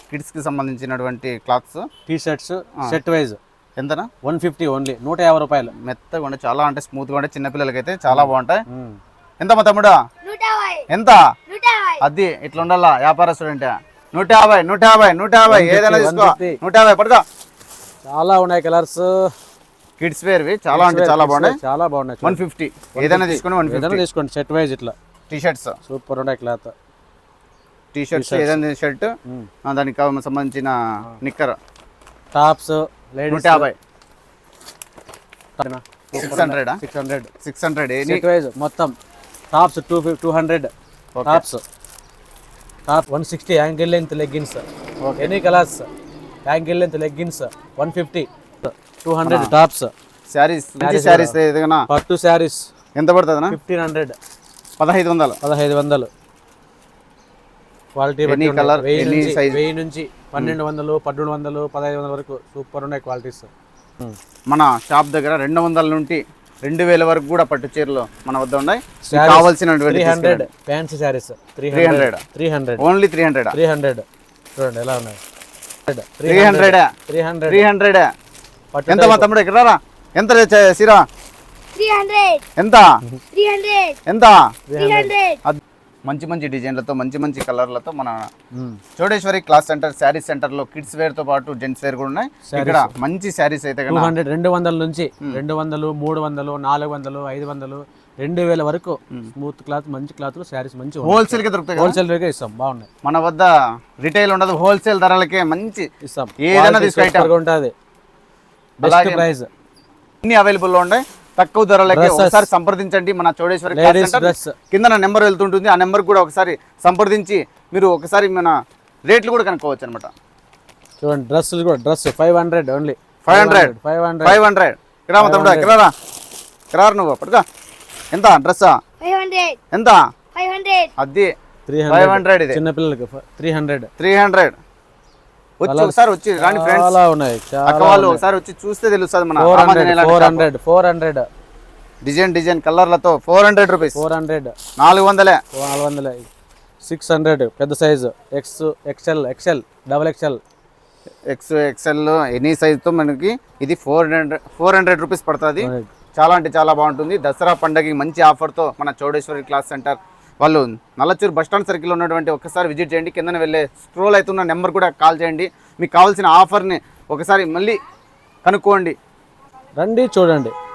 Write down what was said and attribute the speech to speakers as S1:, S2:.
S1: Kids కి సంబంధించినటువంటి clothes
S2: T shirts set wise
S1: ఎంతనా
S2: 150 ఓన్లీ 150 రూపాయలు.
S1: మెత్తగా ఉండే చాలా అంటే స్మూత్ గా ఉండే చిన్న పిల్లలకైతే చాలా బాగుంటాయి. ఎంత మా తమ్ముడా ఎంత అది ఇట్లా ఉండాలా వ్యాపారస్తుడు అంటే 150 150 150 ఏదైనా తీసుకో 150 పడదా.
S2: చాలా ఉన్నాయి కలర్స్
S1: కిడ్స్ వేర్వి చాలా అంటే చాలా బాగున్నాయి.
S2: చాలా బాగున్నాయి.
S1: 150 ఏదైనా తీసుకుని 150
S2: తీసుకోండి. సెట్ వైజ్ ఇట్లా
S1: టీ షర్ట్స్
S2: సూపర్ ఉన్నాయి. క్లాత్
S1: టీ షర్ట్స్ ఏదైనా షర్ట్ దానికి సంబంధించిన నిక్కర్
S2: టాప్స్
S1: 150 600
S2: సెట్ వైజ్ మొత్తం tops 200 tops top 160 ankle length leggings any colours ankle length leggings 150 200 tops
S1: sarees ఏదైనా
S2: పట్టు శారీస్
S1: ఎంత పడుతుందన్నా
S2: 1500
S1: 1500
S2: quality
S1: any colour any size
S2: 1000 నుంచి 1200 1300 1500 వరకు సూపర్ ఉన్నాయి క్వాలిటీస్.
S1: మన షాప్ దగ్గర 200 నుండి 2000 వరకు కూడా పట్టు చీరలు మన వద్ద ఉన్నాయి. కావాల్సినటువంటి
S2: 300 ఫ్యాన్సీ శారీస్ 300
S1: ఓన్లీ 300
S2: చూడండి ఎలా ఉన్నాయి.
S1: 300 ఎంత మా తమ్ముడు ఇక్కడ రా ఎంత సిరా
S3: 300
S1: ఎంత
S3: 300
S1: ఎంత
S3: 300
S1: మంచి మంచి డిజైన్లతో మంచి మంచి కలర్లతో మన Chowdeshwari cloth centre saree centre లో కిడ్స్ వేర్ తో పాటు జెంట్స్ వేర్ కూడా ఉన్నాయి. ఇక్కడ మంచి శారీస్ అయితే
S2: 200 నుంచి 200 300 400 500 2000 వరకు స్మూత్ క్లాత్ మంచి క్లాత్ శారీస్ మంచి
S1: హోల్సేల్ కి దొరుకుతాయి.
S2: హోల్సేల్ రేట్ ఇస్తాం. బాగున్నాయి.
S1: మన వద్ద రిటైల్ ఉండదు, హోల్సేల్ ధరలకే మంచి
S2: ఇస్తాం.
S1: ఏదైనా తీసుకుంటాం
S2: ఉంటుంది. బెస్ట్ ప్రైస్
S1: అన్ని అవైలబుల్ లో ఉన్నాయి. తక్కువ ధరలకి ఒకసారి సంప్రదించండి. మన చౌడేశ్వరి కింద నా నెంబర్ వెళ్తుంటుంది. ఆ నెంబర్ కూడా ఒకసారి సంప్రదించి మీరు ఒకసారి మన రేట్లు కూడా కనుక్కోవచ్చు అనమాట.
S2: చూడండి డ్రెస్సులు కూడా డ్రెస్ 500 ఓన్లీ
S1: 500 ఇక్కడ తమ్ముడు ఇక్కడ నువ్వు పడుకో. ఎంత డ్రెస్
S3: 500
S1: ఎంత
S3: 500
S1: అది 500 ఇది
S2: చిన్న పిల్లలకి
S1: 300 వచ్చి ఒకసారి వచ్చి రాని ఫ్రెండ్స్
S2: చాలా ఉన్నాయి.
S1: అక్క వాళ్ళు ఒకసారి వచ్చి చూస్తే తెలుస్తుంది. మన
S2: 400
S1: డిజైన్ కలర్లతో 400 రూపీస్
S2: 400
S1: 400
S2: 600 పెద్ద size XL double XL
S1: any సైజుతో మనకి ఇది 400 రూపీస్ పడుతుంది. చాలా అంటే చాలా బాగుంటుంది. దసరా పండగకి మంచి ఆఫర్తో మన చౌడేశ్వరి క్లాత్ సెంటర్ వాళ్ళు నల్లచూరు బస్టాండ్ సర్కిల్లో ఉన్నటువంటి ఒకసారి విజిట్ చేయండి. కిందన వెళ్ళే స్క్రోల్ అవుతున్న నెంబర్ కూడా కాల్ చేయండి. మీకు కావాల్సిన ఆఫర్ని ఒకసారి మళ్ళీ కనుక్కోండి.
S2: రండి చూడండి.